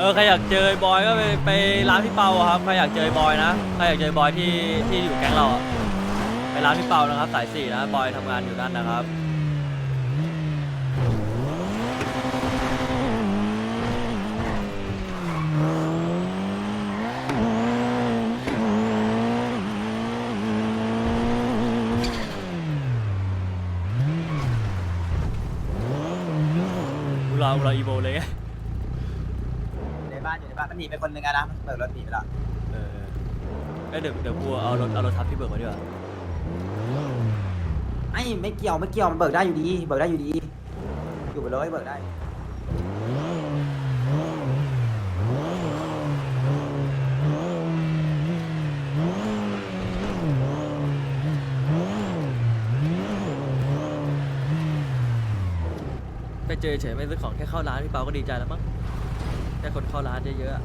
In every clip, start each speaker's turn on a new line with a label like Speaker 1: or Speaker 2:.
Speaker 1: ใครอยากเจอบอยก็ไปร้านพี่เปาอะครับใครอยากเจอบอยนะใครอยากเจอบอยที่อยู่แก๊งเราอะไปร้านพี่เปานะครับสาย4นะบอยทำงานอยู่นั่นนะครับเราอีโบเลยไง
Speaker 2: อยู่ในบ้านมันหนีไปคนหนึ่งอะนะมันเปิดรถหนีไปแล้ว
Speaker 1: เออเดี๋ยวกูเอารถทับพี่เบิร์กมาดีกว่า
Speaker 2: ไม่เกี่ยวมันเบิกได้อยู่ดีอยู่ไปเลยเบิกได้
Speaker 1: ไปเจอเฉยไม่ซื้อของแค่เข้าร้านพี่เปาก็ดีใจแล้วมั้งแค่คนเข้าร้านเยอะๆอะ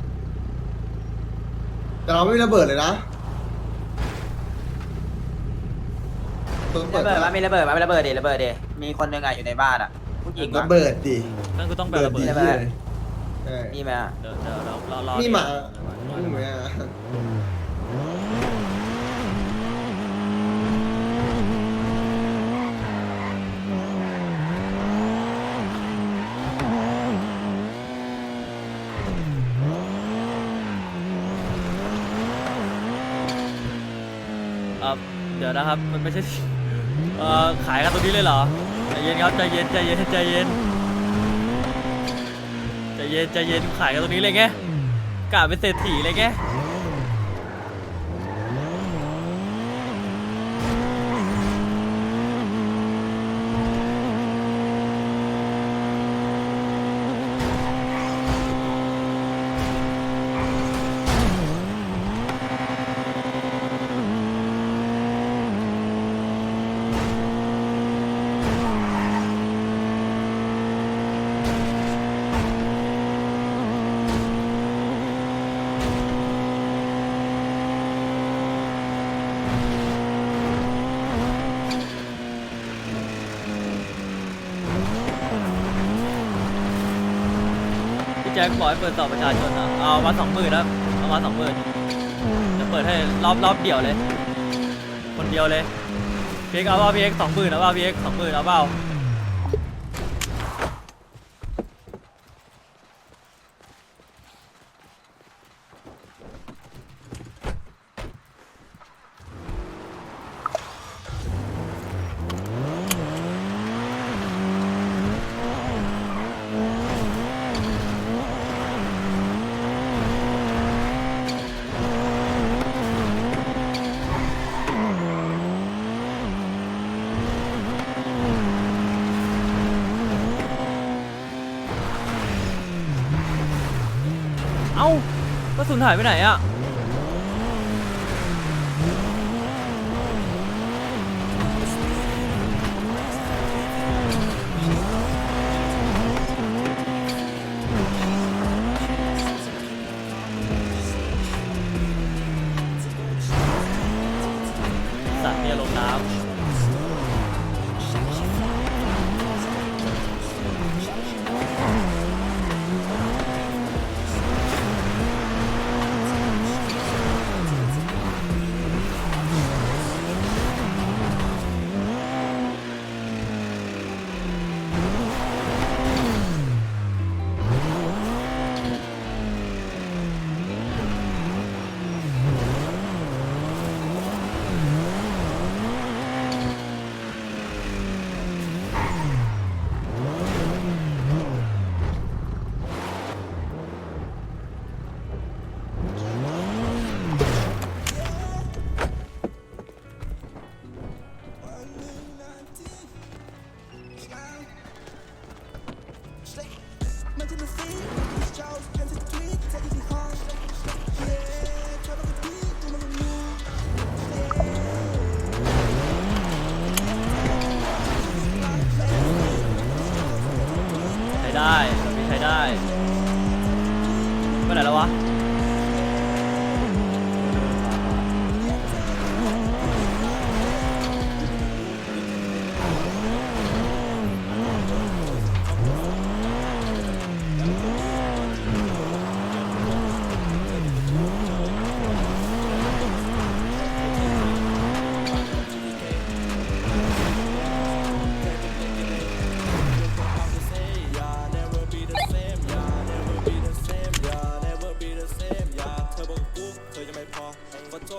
Speaker 3: แต่เราไม่มีระเบิดเลยนะตัวเปิ
Speaker 2: ระ
Speaker 3: ด
Speaker 2: เบิดว่ามีระเบิดดิมีคนหนึ่งอะอยู่ในบ้านอะผู้หญิง
Speaker 3: ระเบิดดิ
Speaker 1: นั่นก็ต้องแบบระเบิด
Speaker 3: ดิ
Speaker 2: ใช่ไหม
Speaker 3: ใช่
Speaker 2: มีไหมอะ
Speaker 1: เดี๋ยวรอ
Speaker 3: นี่หมานี่หมา
Speaker 1: เดี๋ยวนะครับมันไม่ใช่ขายกันตรงนี้เลยเหรอใจเย็นครับใจเย็นขายกันตรงนี้เลยไงกะเป็นเศรษฐีเลยไงพี่แจ็คบอกให้เปิดต่อประชาชนนะเอามา20,000นะเอามา20,000จะเปิดให้รอบเดี่ยวเลยคนเดียวเลยพีเอ็กเอาเปล่าพีเอ็ก20,000เอาเปล่าพีเอ็ก20,000เอาเปล่าเอ้ากระสุนหายไปไหนอะสัตว์เนี่ยลงน้ำ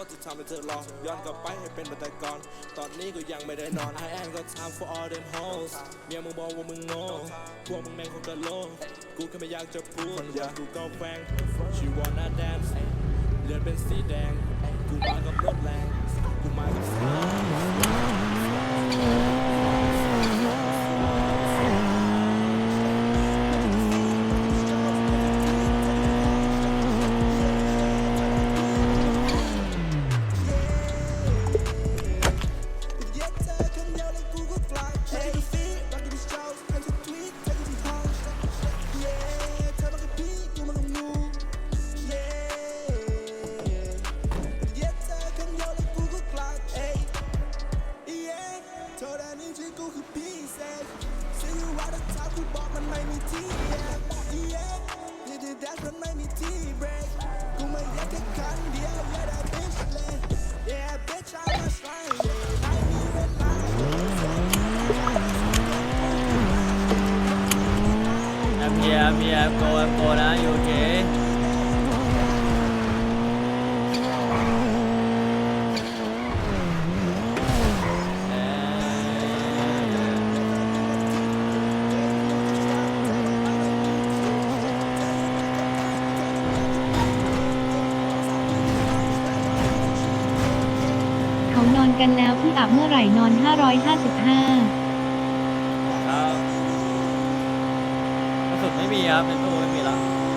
Speaker 4: ที่ทำให้เธอรอย้อนกลับไปให้เป็นแบบแต่ก่อนตอนนี้ก็ยังไม่ได้นอน I ain't got time for all them hoes เมียมึงบอกว่ามึงโง่พวกมึงแม่งคงกะโลกูแค่ไม่อยากจะพูดอย่ากูก็แฟง She wanna dance เลือดเป็นสีแดงกูมากับรถแรงกูมากับเสียง
Speaker 1: I'm goนะอยู่โอเค
Speaker 5: เขานอนกันแล้วพี่อับเมื่อไหร่นอน 555
Speaker 1: ครับกระสุนไม่มีครับในตู้ไม่มีแล้ว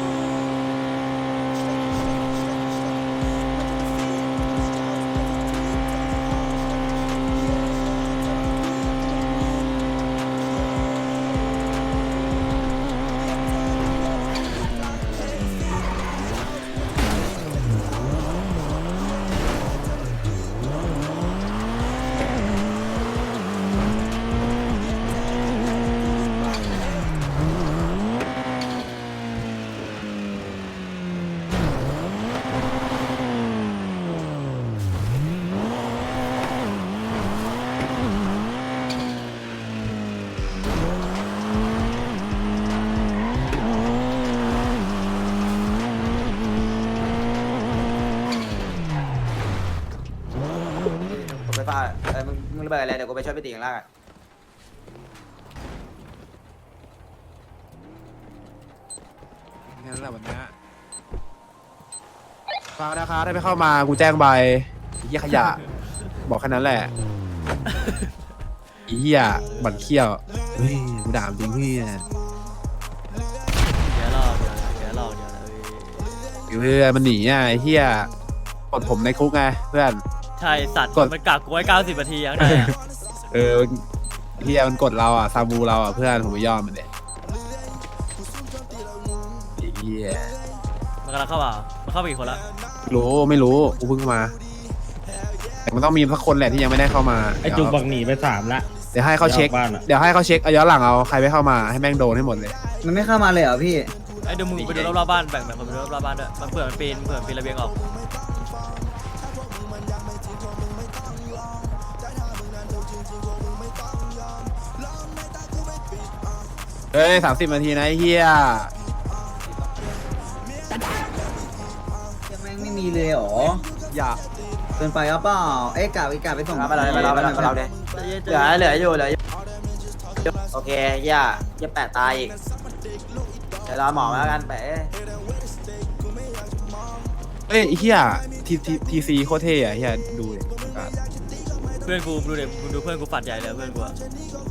Speaker 2: ผมไปฟาดมึงระเบิดอะไรเดี๋ยวกูไปช่วยพี่ตีข้างล่างอะ
Speaker 6: แค่นั้นแหละวันนี้ฟังนะคะถ้าไม่เข้ามากูแจ้งใบเหี้ยขยะ บอกแค่นั้นแหละอีเหี้ยบั่นเขี้ยวเฮ้ยกูด่าจริงพี่
Speaker 1: เดี๋ยวรอเดี๋ยวรอเดี๋ยวนะพี่
Speaker 6: เพื่อนมันหนีอ่ะไอ้เหี้ยกดผมในคุกไงเพื่อน
Speaker 1: ใช่สัตว์
Speaker 6: กด
Speaker 1: มันกักกูไว้90 นาทีข้างในอะ
Speaker 6: เออเหี้ยมันกดเราอ่ะซาบูเราอ่ะเพื่อนผมไม่ยอมมันเด็ไอ้เหี้ย
Speaker 1: มันกำลังเข้ามามันเข้าไปกี่คนละ
Speaker 6: รู้ไม่รู้กูเพิ่งมาแต่มันต้องมีสักคนแหละที่ยังไม่ได้เข้ามา
Speaker 7: ไอจุกบักหนีไป3ละ
Speaker 6: เดี๋ยวให้เขาเช็ค
Speaker 7: บ้านอะ
Speaker 6: เดี๋ยวให้เขาเช็คเอาย้อนหลังเอาใครไม่เข้ามาให้แม่งโดนให้หมดเลย
Speaker 2: มันไม่เข้ามาเลยเหรอพี่
Speaker 1: ไอ้เดี๋ยวมึงไปดูรอบๆบ้านแบ่งคนไปดูรอบๆบ้านด้วยมันเผื่อมันปีนระเบียงออก
Speaker 6: เฮ้ย30 นาทีนะไอ้เฮีย
Speaker 2: ยังแม่งไม่มีเลยเหรอ
Speaker 6: อย่า
Speaker 2: เกินไปหรือเปล่าเอ๊ะกะไปส่ง
Speaker 3: มาเราเลย
Speaker 2: เหลืออยู่โอเคย่าแปะตายอีกเดี๋ยวรอหมอมาแล้วกันแปะ
Speaker 6: เอ้ยไอ้เฮียทีซีโคตรเท่อะเฮียดูดิ
Speaker 1: เพื่อนกูดูเด็กมึงดูเพื่อนกูฝัดใหญ่เลยเพื่อนกูอะ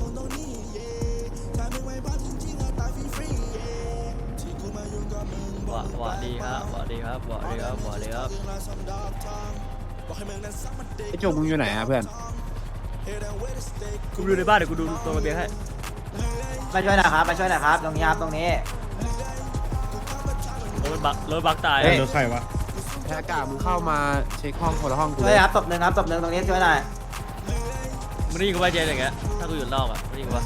Speaker 1: หวะดีครับหวะดีครับหวะดีครับหวะดีครับ
Speaker 6: ไอ้โจกมึงอยู่ไหนอะเพื่อน
Speaker 1: กูดูในบ้านเดี๋ยวกูดูตรงระเบียงให้
Speaker 2: มาช่วยหนะครับตรงนี้ครับตรงนี้
Speaker 1: รถบักตาย
Speaker 6: เฮ้ย
Speaker 7: รถใครวะ
Speaker 6: แค่กามึงเข้ามาเช็คห้องคนละห้องกู
Speaker 2: ช่
Speaker 6: เล
Speaker 2: วย
Speaker 6: ย
Speaker 2: ครับตบหนึ่งตรงนี้ช่วยหน่อย
Speaker 1: มึงได้ยินกูว่าเจนอย่างเงี้ยถ้ากูอยู่นอกอ่ะมึงได้ยินกูว่า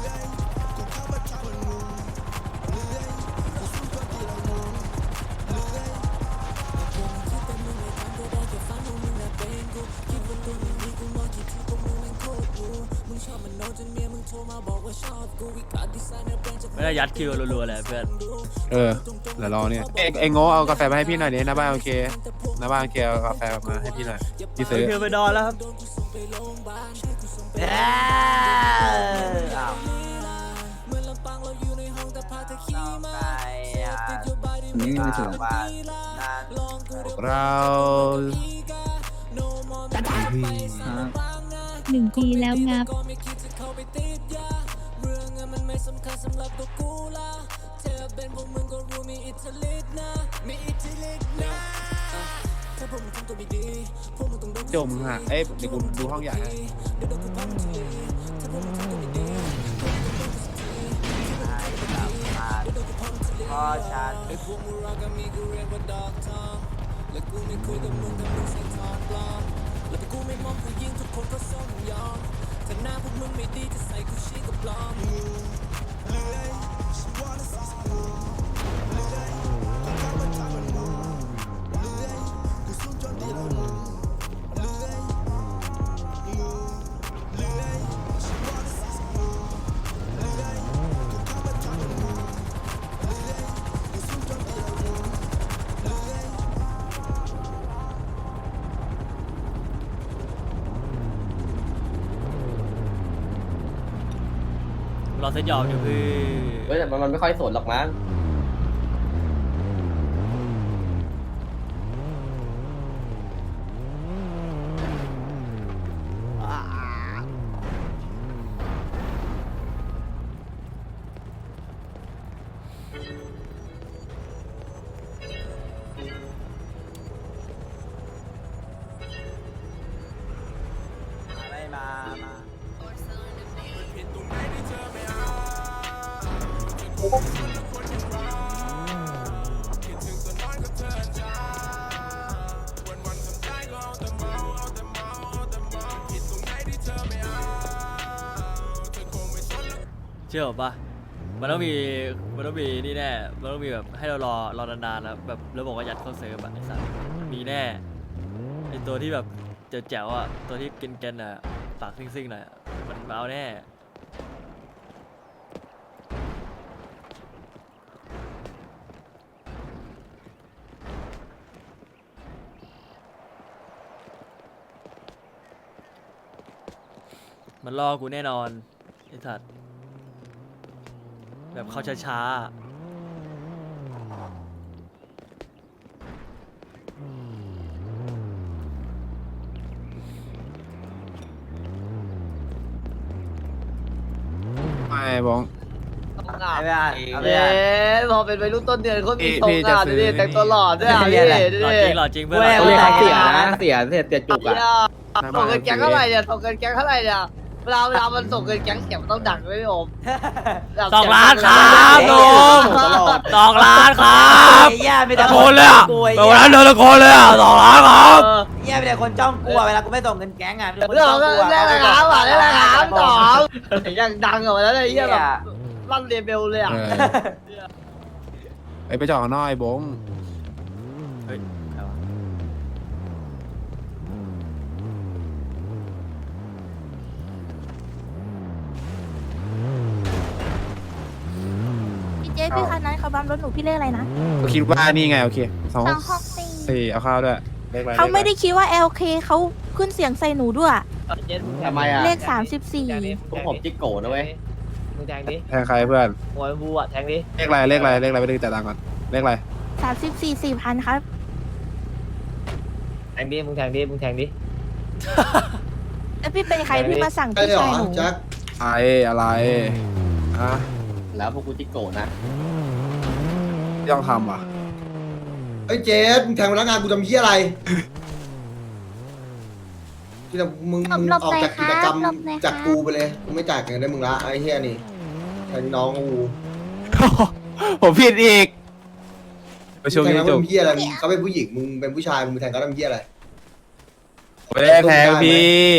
Speaker 1: ไม่ได้ยัดคิวรัวๆเลยเพื่อน
Speaker 6: เออเดี๋ยวรอเนี่ยเอ้ยโง่เอากาแฟมาให้พี่หน่อยดิหน้าบ้านโอเคหน้าบ้านโอเคเอากาแฟมาให้พี่หน่อยที่ซื้อ
Speaker 1: เธอไปนอนแล้วครับ
Speaker 2: อ้าวไม่มีถึงบ้านนั่น
Speaker 6: เรา
Speaker 5: 1 ปีแล้วงับ
Speaker 6: จมฮะเอ้ยเดี๋ยวกูดูห้องใหญ่ให้
Speaker 2: พ่อฉัน
Speaker 1: รอเซ็ตยอมอยู่คือ
Speaker 7: เฮ้ยแต่มันไม่ค่อยสนหรอกมั้ง
Speaker 2: ไม่มา
Speaker 1: เชื่อผมปะมันต้องมีนี่แน่มันต้องมีแบบให้เรารอนานๆนะแบบแล้วบอกว่ายัดเข้าเซิร์ฟอะไอ้สัสมีแน่ไอ้ตัวที่แบบแจ๋วๆอะตัวที่กินๆอะปากซิ่งๆหน่อยอะมันมาเอาแน่มันรอกูแน่นอนไอ้สัสแบบเขาช้าๆ
Speaker 6: ไม่บอง
Speaker 2: เอาไม่ได้เอาไม่
Speaker 8: เย้
Speaker 2: ได้
Speaker 8: พอเป็นวัยรุ่นต้นเดือนเขามี
Speaker 6: พี่
Speaker 8: ทรงอ่ะ
Speaker 6: จะซื้
Speaker 8: ดู
Speaker 6: อ
Speaker 8: ดิแต่งตัวหล่อด้วยอ่ะ
Speaker 2: พี่
Speaker 8: พี่
Speaker 2: อะไร
Speaker 8: ดู
Speaker 1: หล่อ
Speaker 8: ดิ
Speaker 1: จริงหล่อจริงเพื่อน
Speaker 2: เว้ย
Speaker 1: หล่อ
Speaker 8: เรียก
Speaker 1: จริง
Speaker 8: เสียจุกอ่ะส่งเงินแก๊งเท่าไหร่เนี่ยส่งเงินแก๊งเท่าไหร่เนี่ยเวลามันส่งเงินแก๊งเสียงมันต้องดังด้วยพี่โอม
Speaker 1: 2 ล้านครับลุง2 ล้านครับ
Speaker 2: ไอ้เหี้ยมีแต่
Speaker 1: ตะโกนเลยอ่ะ
Speaker 2: กลัวไอ้
Speaker 1: ตะ
Speaker 2: เหี้
Speaker 1: โกนเลยตะโกนเลยอ่ะ2 ล้านครับ
Speaker 2: เหี้ยมีแต่คนจ้องกลัวเวลากูไม่ส่งเงินแก๊งอ่ะมีแต่คน
Speaker 8: เรื่อง
Speaker 2: จ้อง
Speaker 8: ก็
Speaker 2: กลัว
Speaker 8: เรื่องอะไรครับอ่ะเรื่องอะไรครับสองยังดังกว่านั้นเลย
Speaker 2: เหี้
Speaker 8: เฮี
Speaker 2: ย
Speaker 8: ยแบบลั่นเรเบลเลยอ่ะ
Speaker 6: ไปจอดข้างนอกไอ้บง
Speaker 1: เฮ้ยใครวะ
Speaker 9: พี่เจ๊พี่คันนั้นเขาบัมรถหนูพี่เลขอะไรนะ
Speaker 6: ก็คิดว่านี่ไงโอเค2
Speaker 9: 264
Speaker 6: 4เอาข้าวด้วยเลขอะไร
Speaker 9: เขาไม่ได้คิดว่า LK เขาขึ้นเสียงใส่หนูด้วย
Speaker 7: ทำไมอ่ะ
Speaker 9: เลข 34
Speaker 7: พวกผมจิกโก้นะเว้ย
Speaker 8: มึงแทงดิ
Speaker 6: แทงใครเพื่อน
Speaker 8: หัวบูอ่ะแทงดิ
Speaker 6: เลขอะไรไปดูแต่ตังค์ก่อนเลขอะไร
Speaker 9: 34 4,000 ครับ
Speaker 8: แทงดิมึงแทงดิ
Speaker 9: แล้วพี่เป็นใครพี่มาสั่ง
Speaker 3: ใช่
Speaker 9: พี่
Speaker 3: เหรอ
Speaker 9: ชายหนู
Speaker 3: แจ็ค
Speaker 6: อะไรฮะ
Speaker 7: แล้วพวกกูจิกโก้นะ
Speaker 6: ที่ต้องทำอ่ะ
Speaker 3: ไอ้ยเจสมึงแทงพนักงานกูทำเหี้ยอะไรที่เรามึง
Speaker 9: หลบ
Speaker 3: ออกจาก
Speaker 9: หน่
Speaker 3: กิ
Speaker 9: อย
Speaker 3: จกรรม
Speaker 9: ครับหลบหน่อยครับ
Speaker 3: จากกูไปเลยกูไม่จ่ายเงินได้มึงละไอ้เหี้ยนี่แทงน้องกู
Speaker 6: ผมผิดอีกไปชม
Speaker 3: แทง
Speaker 6: ยู
Speaker 3: แล้ว
Speaker 6: จ
Speaker 3: มึ
Speaker 6: บ
Speaker 3: งเหี้ยอะไรมึงเขาเป็นผู้หญิงมึงเป็นผู้ชายมึงไปแทงเขาทำเหี้ยอะไร
Speaker 6: ไม่ได้แทงพี่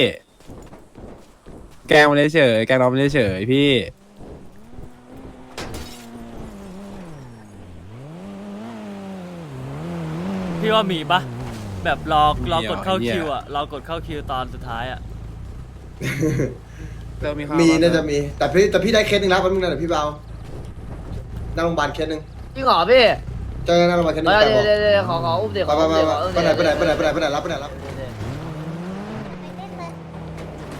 Speaker 6: แกล้งมันเฉยแกล้งน้องมันเฉยพี่
Speaker 1: พี่ว่ามีปะแบบรอกดเข้าคิวอ่ะรอกดเข้าคิวตอนสุดท้ายอ่ะ
Speaker 6: เริ่มมีข้าว
Speaker 3: มีน่าจะมี แต่พี่ได้เคสหนึ่งแล้วแป๊บนึงนะเดี๋ยวพี่เบาหน้าโรงพยาบาลเคสหนึ่ง
Speaker 8: พี่ขอพี่
Speaker 3: เจอหน้าโรงพยาบาลเคสหนึ่ง
Speaker 8: เดี๋
Speaker 3: แต่บอก
Speaker 8: ยวขออุ้มเดี๋ยว
Speaker 3: ไป
Speaker 8: ขอ
Speaker 3: ไป
Speaker 8: อุ้ม
Speaker 3: ไป
Speaker 8: เดี๋ยว
Speaker 3: ไปไหนรับไปไหน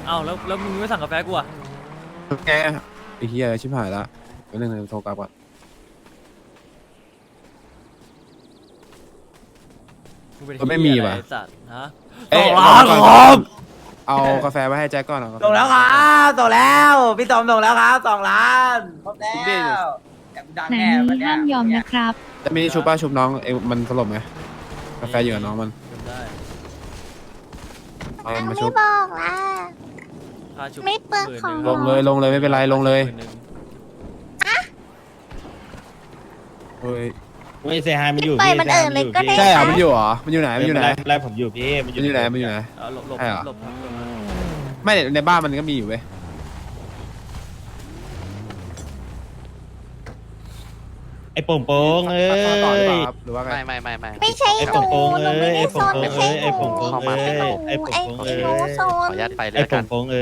Speaker 1: เอ้าแล้วมึงไม่สั่งกาแฟกูอ่ะ
Speaker 6: แกไอ้เหี้ยชิบหายละเดี๋ยวนึงโทรกลับก่อน
Speaker 1: งเป็น
Speaker 6: ก็ไม่มี
Speaker 1: เหี้ยอร
Speaker 6: ว่ะ
Speaker 1: ไอ้สัตว์ฮะ
Speaker 6: เอ้ย
Speaker 1: สองล้านครับ
Speaker 6: เอากาแฟไว้ให้แจ็คก่อนเอากาฟ
Speaker 2: ส่งแล้วครับส่งแล้วพี่ตอมส่งแล้วครับ2 ล้านครบแล้วแต่กูดัง
Speaker 5: แต่
Speaker 2: แน่
Speaker 5: นี้
Speaker 2: วันเนี้ย
Speaker 5: ห้ามยอมนะครับ
Speaker 6: จะมีชุบป้าชุบน้องเอ้ยมันสลบไหมกาแฟอยู่กับน้องมัน
Speaker 1: จำได้
Speaker 6: เอามันมา
Speaker 9: ไม่
Speaker 6: ชุบ
Speaker 9: บอกล่ะ
Speaker 1: ค่าชุบ
Speaker 9: ไม่เปลืองของ
Speaker 6: ลงเลยไม่เป็นไรลงเลย
Speaker 1: หมื่นหนึ่ง
Speaker 6: เฮ้ย
Speaker 10: ไม่เซฮายมันอยู่
Speaker 9: ปล่อย
Speaker 10: พี่
Speaker 9: มันเอิญเลยก็ได้
Speaker 6: ใช่เหรอ
Speaker 9: ค่ะ
Speaker 6: มันอยู่เหรอมันอยู่ไหนมันอยู่ไหน
Speaker 10: ไล่ผมอยู่พี่
Speaker 6: มันอยู่ไหนมันอยู่ไหน
Speaker 1: เอาหลบ
Speaker 6: ใช่เหรอ
Speaker 1: หลบครับหลบครับ
Speaker 6: ไม่ในบ้านมันก็มีอยู่เว้ย
Speaker 10: ไอ้โป่งโป่งเอ้
Speaker 6: ต่อหรือเป
Speaker 10: ย
Speaker 6: ล่าครับหรือว่าไง
Speaker 11: ไม่
Speaker 9: ไม่ใช่
Speaker 10: ไอ้
Speaker 9: หนู
Speaker 10: โป่งโป่ง
Speaker 9: หนู
Speaker 10: เอ้
Speaker 9: ไม่
Speaker 10: ย
Speaker 9: ได้
Speaker 10: ไอ้
Speaker 9: โซ
Speaker 10: โป่ง
Speaker 9: น
Speaker 10: โป่ง
Speaker 9: ไม่ใช่
Speaker 10: เอ้
Speaker 9: หนู
Speaker 10: ยไอ้โป่งโป่ง
Speaker 9: ไอ้
Speaker 10: เอ้ย
Speaker 9: หนูโซ
Speaker 11: ขอน อนุญาตไปเลย
Speaker 10: ไอ้
Speaker 11: แล้วกั
Speaker 10: โป่
Speaker 11: น
Speaker 10: งโป่งเอ้ย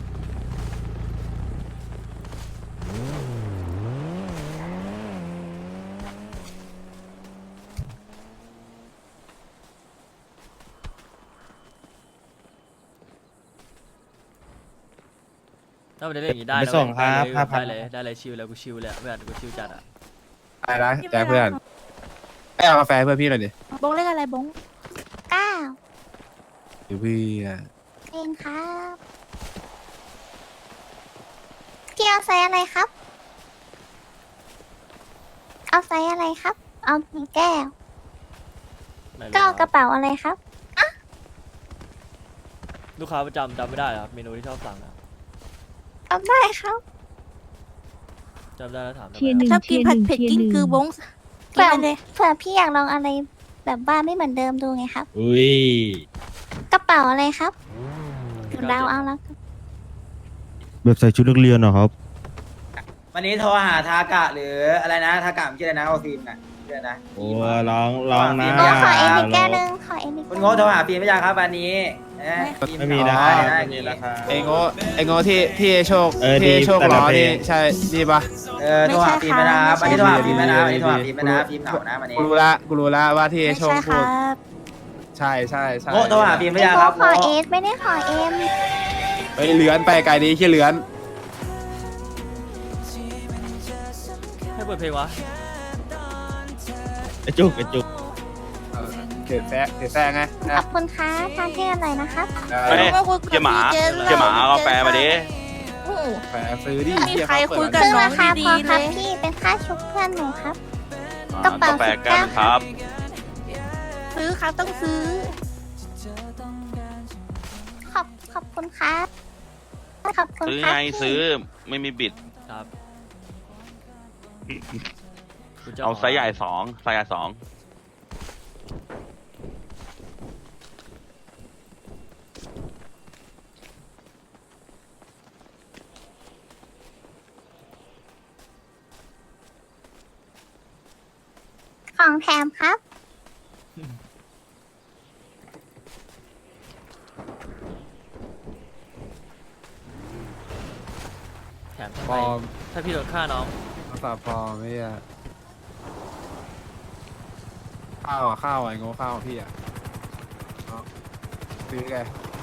Speaker 1: ถ้ามันจะเล่นอย่างนี้ได้
Speaker 10: ไป
Speaker 1: นะ
Speaker 10: ส่งครับ
Speaker 1: เว้ย
Speaker 10: 5,000
Speaker 1: ได้เลยชิลแล้วกูชิลเลยอะเพื่อนกูชิลจัดอ่ะ
Speaker 6: ได้นะแจ็คเพื่อนไอ้เอากาแฟเพื่อนพี่หน่อยดิ
Speaker 9: บงเลขอะไรบง9
Speaker 6: เดี๋ยวพี่อะ
Speaker 9: เองครับพี่เอาไซส์อะไรครับ เอาไซส์อะไรครับ เอากี่แก้ว
Speaker 1: ไม่รู้
Speaker 9: ก็เอากระเป๋าอะไรครับ
Speaker 1: ลูกค้าประจำจำไม่ได้เหรอครับเมนูที่ชอบสั่งอะ
Speaker 9: เอาได้ครับ
Speaker 1: จำได้แล้วถามทำไม
Speaker 5: เทียร์หนึ่ง
Speaker 9: ชอบกินผัดเผ็ด
Speaker 5: เทียร์
Speaker 9: กิน
Speaker 5: หนึ่ง
Speaker 9: คือบงกินไปเลยเผื่อพี่อยากลองอะไรแบบว่าไม่เหมือนเดิมดูไงครับ
Speaker 10: อุ้ย
Speaker 9: กระเป๋าอะไรครับเดาเอาแล้วกัน
Speaker 10: แบบใส่ชุดนักเรียนเหรอครับ
Speaker 2: วันนี้โทรหาทากะหรืออะไรนะทากะมันชื่ออะไรนะโอฟิล์มน่ะชื่ออะไรนะ
Speaker 10: โอ้ร้องนะ
Speaker 9: โอ้ขอเอ็นอีกแก้วหนึงขอเอ็นอีก
Speaker 2: คุณโง่โทรหาฟิล์มไม่ยังครับวันนี้ฟิล์
Speaker 10: ไม่มีนะ
Speaker 2: ได้
Speaker 10: ไม่
Speaker 2: อย่าง
Speaker 10: มี
Speaker 2: งี้
Speaker 10: ราคา
Speaker 6: ไอ้โง่ที่โชค
Speaker 10: ดี
Speaker 6: ที่โชค
Speaker 10: แต่
Speaker 6: ล้
Speaker 10: ละ
Speaker 6: อ
Speaker 10: เพล
Speaker 6: นี่
Speaker 10: ง
Speaker 6: ใช่นี่ปะ
Speaker 2: โทรหาฟิล์มไม่นะครับวันนี้โทรหาฟิล์มไม่นะวันนี้โทรหาฟิล์มไม่นะฟิล์มเหงานะวันนี้
Speaker 6: กูรู้ละว่าที่
Speaker 9: ไม่
Speaker 6: โชค
Speaker 9: ใช่ค
Speaker 6: พู
Speaker 9: รั
Speaker 6: ด
Speaker 9: บ
Speaker 6: ใช่ใช่ใช่
Speaker 2: โง่โทรหาฟิล์มไม่
Speaker 9: ไม่
Speaker 2: ยัง
Speaker 9: ข
Speaker 2: ค
Speaker 9: อ
Speaker 2: รับ
Speaker 9: ขอเอสไม่ได้ขอเอ็ม
Speaker 6: เฮ้ยเลือนไปไกลดีขี้เลือน
Speaker 1: ให้เปิดเพลงวะ
Speaker 10: ไอ้จุกไอ้จุก
Speaker 6: เขียนแซงไง
Speaker 9: ขอบคุณค่ะทานที่อร่อยนะครับ
Speaker 6: เฮ้ย
Speaker 9: เจ๊หมาเอากาแฟมาดิ
Speaker 6: แฝซื้อดิ
Speaker 9: ไม่มีใครคุยกับน้องดีๆเลยพี่เป็นค่าชุบเพื่อนหนูครับกระเป๋า19ครับซื้อครับต้องซื้อ ขอบคุณครับขอบคุณครับซื้อ
Speaker 11: ไม่มีบิด
Speaker 1: ครับกูจะ
Speaker 11: เอาไซส์ใหญ่สองไซส์ใหญ่สอง
Speaker 9: ของแถมครับ
Speaker 1: แถมทำ
Speaker 6: ป
Speaker 1: ไม
Speaker 6: ลอม
Speaker 1: ถ้าพี่โดนฆ่าน้อง
Speaker 6: ภาษาปลอมไม่อะข้าวไอ้โง่ข้าวพี่อะเอาซื้อไง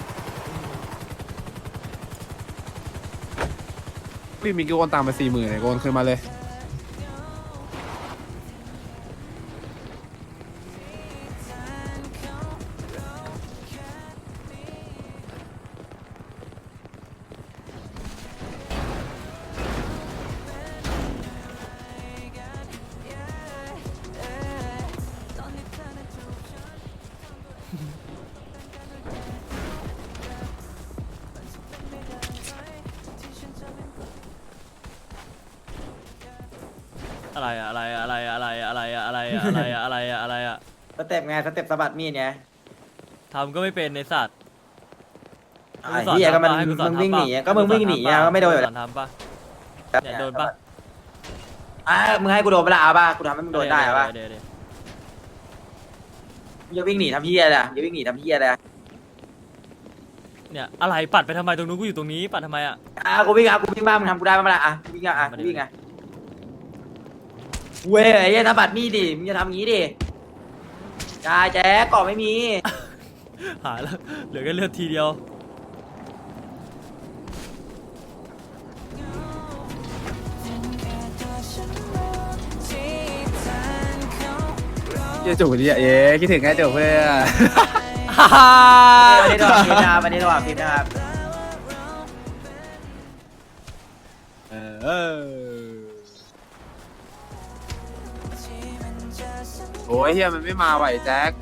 Speaker 6: พี่มีกี่โอนตังค์ไป40,000ไอ้โอนคืนมาเลย
Speaker 1: อะไรอะอะไรอะอะไรอะอะไรอะอะไรอะอะไรอะอะไรอะอะไรอะอะไรอะ
Speaker 2: สเต็ปไงสเต็ปสะบัดมีดไง
Speaker 1: ทำก็ไม่เป็นในสัตว์
Speaker 2: ไอ้เหี้ยก็มันมึงวิ่งหนีก็มึงวิ่งหนีอ่ะก็ไม่โดนอยู่แล้ว
Speaker 1: ทำปะเนี่ยโดนปะ
Speaker 2: มึงให้กูโดนเวลาป่ะกูทำให้มึงโดนได้ป่ะ
Speaker 1: เดี๋ยว
Speaker 2: มึงจะวิ่งหนีทำเหี้ยอะไรมึงจะวิ่งหนีทำเหี้ยอะไร
Speaker 1: เนี่ยอะไรปัดไปทำไมตรงนู้นกูอยู่ตรงนี้ปัดทำไมอะ
Speaker 2: กูวิ่งกูวิ่งบ้างมึงทำกูได้บ้างล่ะกูวิ่งกูวิ่งเว้ยไอ้เหี้ยสะบัดมีดดิมึงจะทำงี้ดิจ่าแจ๊กก่อไม่มี
Speaker 1: หายแล้วเหลือแค่เลือดทีเดียว
Speaker 6: จะจูบดิเอ๊ะคิดถึงไงจูบเพื่อน
Speaker 2: วันนี้ระหว่างฟิล์มนะครับวันนี้ระหว่างฟิล์มนะครับ
Speaker 6: โอ้ยเฮียมันไม่มาไหวแจ็ค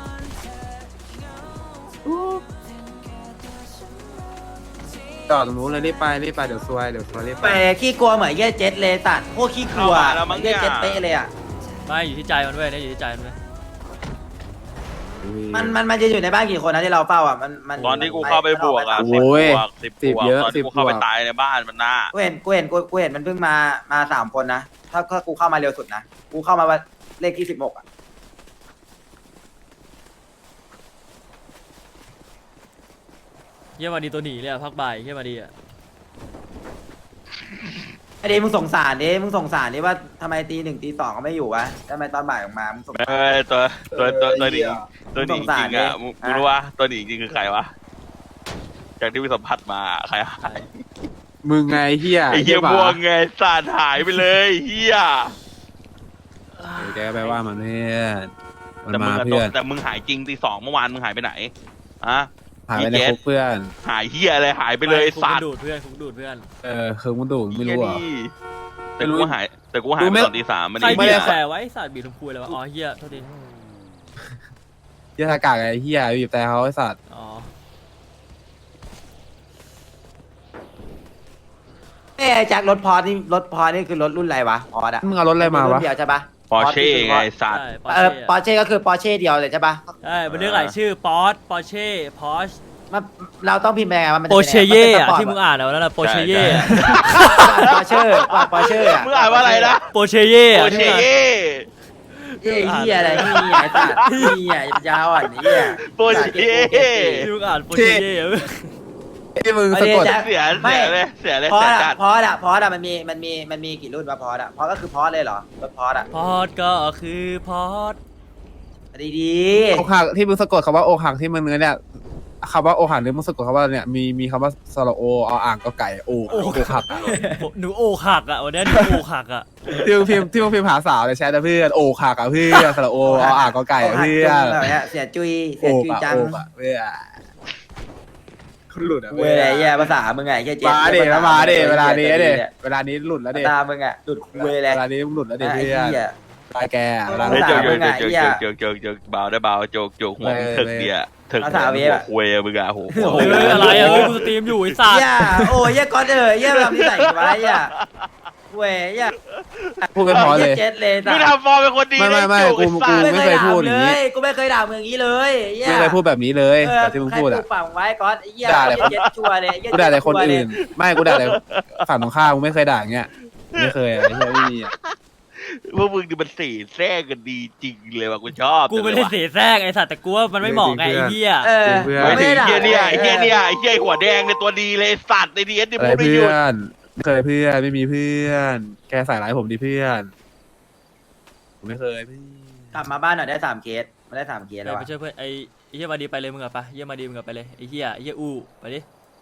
Speaker 6: จอดตรงนู้นเลยรีบไปเดี๋ยวซวยรีบ
Speaker 2: ไปขี้กลัวเหมือนเหี้ยเจ็ตเลยสัตว์โคตรขี้กลัว
Speaker 11: เข้ามาแล้วมั้งเนี่
Speaker 2: เหี้ย
Speaker 11: ย
Speaker 2: เจ็ตเต้เลยอ่ะ
Speaker 1: ไม่อยู่ที่ใจมันเว้ยเนี่ยอยู่ที่ใจมันเว้ย
Speaker 2: มันจะอยู่ในบ้านกี่คนนะที่เราเฝ้าอ่ะมัน
Speaker 11: ตอนที่กูเข้าไปบวกอ่ะ
Speaker 6: โอ้ย
Speaker 11: 10 บ
Speaker 6: สิบ
Speaker 11: วก
Speaker 6: เยอะ
Speaker 11: ตอนที่กูเข้าไปตายในบ้านมันน่า
Speaker 2: กูเห็นมันเพิ่งมา3 คนนะถ้ากูเข้ามาเร็วสุดนะกูเข้ามาเลขที่16อ่ะ
Speaker 1: เยี่ยมาดีตัวหนีเลยอะพักบ่ายเยี่ยมาดีอะ
Speaker 2: ไอ้ดิมึงสงสารดิว่าทำไมตี 1 ตี 2ก็ไม่อยู่วะทำไมตอนบ่ายออกมามึงสงสาร
Speaker 11: ตัวหนีตัวหนีจริงอ่ะมึงรู้ว่าตัวหนีจริงคือใครวะจากที่วิสัมผัสมาใคร
Speaker 6: มึงไงเฮีย
Speaker 11: ไอ้เหี้ยบวงไงสาดหายไปเลยเหี้ย
Speaker 6: แกไปว่ามันเพื่อนมัน
Speaker 11: แต่มึ
Speaker 6: มาง
Speaker 11: อะ
Speaker 6: เพื่อน
Speaker 11: แต่มึงหายจริงตี 2เมื่อวานมึงหายไปไหนอะ
Speaker 6: หายไปในคุกเพื่อน
Speaker 11: หายเหี้ยอะไรหายไปเลย
Speaker 1: คุก
Speaker 11: สา
Speaker 1: มัน
Speaker 11: ด
Speaker 1: ดูดเพื่อนคุกดูดเพื่อน
Speaker 6: คือมันดูไม่รู้อ่ะ
Speaker 11: แต่กูหายไปตอนตี 3มัน
Speaker 1: ใคร
Speaker 11: นี่
Speaker 1: บี
Speaker 11: เหี้
Speaker 1: บ
Speaker 11: ย
Speaker 1: แต่ไว้สัตว์บีบทำคุยเลยวะอ๋อเฮียโทษที
Speaker 6: เฮียทากากไอ้เฮียบีบแต่เขาไอ้สัตว์
Speaker 1: อ๋อ
Speaker 2: ไอ้แจ็ครถพอนี่คือรถรุ่นอะไรวะพอดอะ
Speaker 6: มึงเอารถอะไรมาวะ
Speaker 2: รุ่นเดียวใช่ปะ
Speaker 11: ปอร์เช่ไงสาด
Speaker 1: ใช่
Speaker 2: ปอร์เช่ก็คือปอร์เช่เดียวเลยใช่ปะ
Speaker 1: ใช่มันเรียกหลายชื่อปอร์ตปอร์เช่พอช
Speaker 2: เราต้องพิมพ์ยังไงวะมันจะ
Speaker 1: โป
Speaker 2: ป็น
Speaker 1: เช
Speaker 2: ยังไง
Speaker 1: เย่
Speaker 2: มัน
Speaker 1: อะ
Speaker 2: ป็นสปร์ต
Speaker 1: ที่มึงอ่านเอาแล้วนะโปเชเย่
Speaker 2: ปอร์เช่อะ
Speaker 11: มึงอ่านว่าอะไรนะ
Speaker 1: โปเชเย่
Speaker 11: โป
Speaker 1: อะ
Speaker 11: เช่
Speaker 2: เฮียอะไรนี่ไอ้สัตว์นี่ไอ้ยาวอ่ะนี่อ่ะ
Speaker 11: โปเช่
Speaker 1: ที่มึงอ่านโปเชเย่อะ
Speaker 6: ที่มึงสะกด
Speaker 11: เสียเลยเสีย
Speaker 2: พอด
Speaker 11: จั
Speaker 2: อะ
Speaker 11: ด
Speaker 2: พอดอะมันมีกี่รุ่นวะพอดอะพอดก็คือพอดเลยเหรอรถพอดอะ
Speaker 1: พอร์ตก็คือพอร์ต
Speaker 2: ดี
Speaker 6: อกหักที่มึงสะกดคำว่าอกหักที่มึงเนี่ยคำว่าอกหักหรือมึงสะกดคำว่าเนี่ยมีคำว่าสระโอเอาอ่างก็ไก่โอกหัก
Speaker 1: หนูโอกหักอะวันนี้หนูโอกหักอะ
Speaker 6: ที่มึงพิมพ์หาสาวในแชทนะเพื่อนอกหักอ่ะเพื่อนสระโอเอาอ่างก็
Speaker 2: ๆ
Speaker 6: ไก่
Speaker 2: อกหัก
Speaker 6: เพื่อ
Speaker 2: จุ
Speaker 6: น
Speaker 2: งแบบเนี้ยเสียจุย
Speaker 6: โอ
Speaker 2: เสีย
Speaker 6: ก
Speaker 2: จุย
Speaker 6: อ่ะ
Speaker 2: จัง
Speaker 6: โอกอ่ะเพื่อนคุณหลุดอ่ะ
Speaker 2: เว้ยไอ้เหี้ยภาษามึงไงแค่เจ็บ
Speaker 6: มาเดมาเดเวลานี้เดเวลานี้หลุดแล้วเด
Speaker 2: ตามึงอะหลุดเว้ยเลย
Speaker 6: เวลานี้มึงหลุดแล้วเด
Speaker 2: ไอ้
Speaker 6: เพื่อน
Speaker 2: เหี้ย
Speaker 6: ตายแกเวลา
Speaker 11: เฮ้ย
Speaker 6: นี้
Speaker 11: โจกเบาได้เบาโจกหัวถึกเนี่ยถึกหัวคุยมึงอะโห
Speaker 1: เฮ้ยอะไรอะเฮ้ยกูสตรีมอยู่ไอ้สัตว์
Speaker 2: เหี้ยโอ้ยเหี้ยก้อนเหี้ยแบบนี้ใส่ไว้เหี้ยเว้ยเหี้ย
Speaker 6: พูดไม่พอเลย
Speaker 2: เจ็ดเลย
Speaker 11: มึงทำฟอร์มเป็นคนดี
Speaker 6: ไม่กูไม่เคยพูดอย่างนี้
Speaker 2: กูไม่เคยด่ามึงอย่างนี้เลยเหี้ย
Speaker 6: ไม่เคยพูดแบบนี้เลยแต่ที่มึงพูดอ่ะ
Speaker 2: ใครปากไว้ก้อนไอ้เหี้ย
Speaker 6: ด่าแต่
Speaker 2: เจ็ดชัวร์เลย
Speaker 6: กูด่าแต่คนอื่น ไม่กูด่าแต่ฝั่งตรงข้ามกูไม่เคยด่าอย่างเงี้ยไม่เคยอะไรเงี้ยไม่มีอ่ะ
Speaker 11: พวกมึงดูมันสีแทรกกันดีจริงเลยว่ะกูชอบ
Speaker 1: กูไม่ได้เสียแทรกไอ้สัตว์แต่กูว่ามันไม่เหมาะไงไอ้เหี้ย
Speaker 11: ไม่ถึงเฮียเนี่ยเฮียหัวแดงในตัวดีเลยสัตว์ในดีเอสที่
Speaker 6: อะไร
Speaker 11: พูดไม่หยุ
Speaker 6: เพื่
Speaker 11: ด
Speaker 6: อนไม่เคยเพื่อนไม่มีเพื่อนแกใส่ร้ายผมดิเพื่อนผมไม่เคยพี่
Speaker 2: กลับมาบ้านหน่อยได้3 เคสมาได้3 เคสแล้ว
Speaker 1: ไปช่วยเพื่อนไอ้เหี้ยมาดีไปเลยมึงอะไปเหี้ยมาดีมึงอะไปเลยไอ้เหี้ยอู้ไปดิ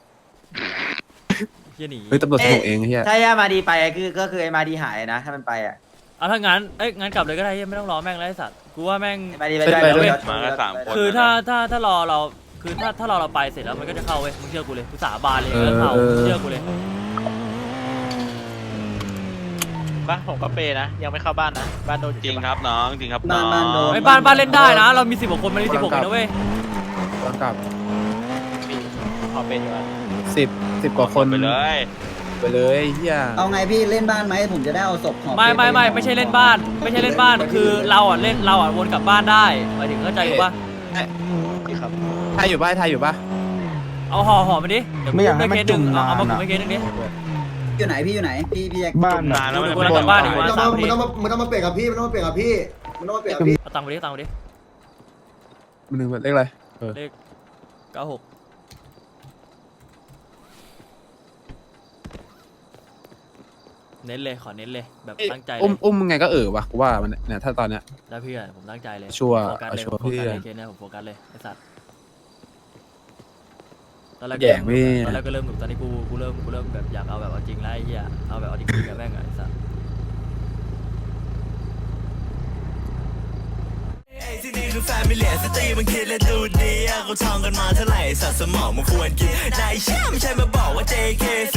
Speaker 1: เหี้ยหนี
Speaker 6: เฮ้ยตำรวจส่งเองเฮีย
Speaker 2: ถ้าย่ามาดีไปก็คือไอ้มาดีหายนะถ้ามันไปอ่ะ
Speaker 1: เอาถ้างั้นงั้นกลับเลยก็ได้เหี้ยไม่ต้องรอแม่งแล้วไอ้สัตว์กูว่าแม่ง
Speaker 2: มาดีไปด้วย
Speaker 11: มากัน3 คน
Speaker 1: คือถ้ารอเราคือถ้ารอเราไปเสร็จแล้วมันก็จะเข้าเว้ยมึงเชื่อกูเลยกูสาบานเลยก็เข้าเชื่อกูเลย
Speaker 8: บ้านผมก็เปนะยังไม่เข้าบ้านนะบ้านโดน
Speaker 11: จริงครับน้องจริงครับน้อง
Speaker 1: ไอ้บ้านเล่นได้นะ เรามี10 กว่าคนมันมี16คนนะเว้ย
Speaker 6: ต้องกลับ
Speaker 8: ขอเป็นอยู่
Speaker 6: 10 กว่าคน
Speaker 11: ไปเลย
Speaker 6: ไปเลยเฮีย
Speaker 12: เอาไงพี่เล่นบ้านไหมผมจะได้เอาศพของ
Speaker 1: ไม่ใช่เล่นบ้านไม่ใช่เล่นบ้านคือเราวนกลับบ้านได้หมายถึงเข้าใจกูป่ะ
Speaker 8: ครับ
Speaker 6: ไทยอยู่ป่ะไทยอยู่ป่ะ
Speaker 1: เอาห่อมาดิเดี๋ยวไม่อยากให้มันจุ่มเอามากูไม่เคสนึงดิ
Speaker 12: อยู่ไหนพี่อยู่ไหนพี่แจ็ค
Speaker 10: บ้าน
Speaker 11: นานแล้ว
Speaker 1: กู
Speaker 11: ไม่
Speaker 1: กำลังกลับบ้านอีก
Speaker 3: มึ
Speaker 1: วัน
Speaker 3: ง
Speaker 1: สาม
Speaker 3: ต้องมาเปลี่ยนกับพี่มึงต้องมาเปลี่ยนกับพี่
Speaker 1: เอาตังค์ไปดิ
Speaker 6: มันหนึ่งเลขอะไร
Speaker 1: เลข96เน้นเลยขอเน้นเลยแบบตั้งใจเลย
Speaker 6: อุ้มมึงไงก็วะกูว่ามันเนี่ยถ้าตอนเนี้ย
Speaker 1: ได้เพื่อนผมตั้งใจเลย
Speaker 6: ชัวร์
Speaker 1: โฟกัสเลย
Speaker 6: ชัวร์
Speaker 1: โฟกัสเลย
Speaker 6: เพื่อน
Speaker 1: เคสเนี่ยผมโฟกัสเลยไอ้สัตว์ตอนแรก
Speaker 6: แย่งพี่
Speaker 1: ตอนแรกก็เริ่มหนุกตอนนี้กูเริ่มแบบอยากเอาแบบเอาจริงแล้วไอ้เหี้ยเอาแบบเอาจริงๆกับแม่งอะไอ้สัตว์
Speaker 4: ไอ้นี่คือแฟมิเลียสตรีมันคิดและดูดีอะเขาท่องกันมาเท่าไหร่สัตว์สมองมันควรกินนายเชื่อไม่ใช่มาบอกว่า JK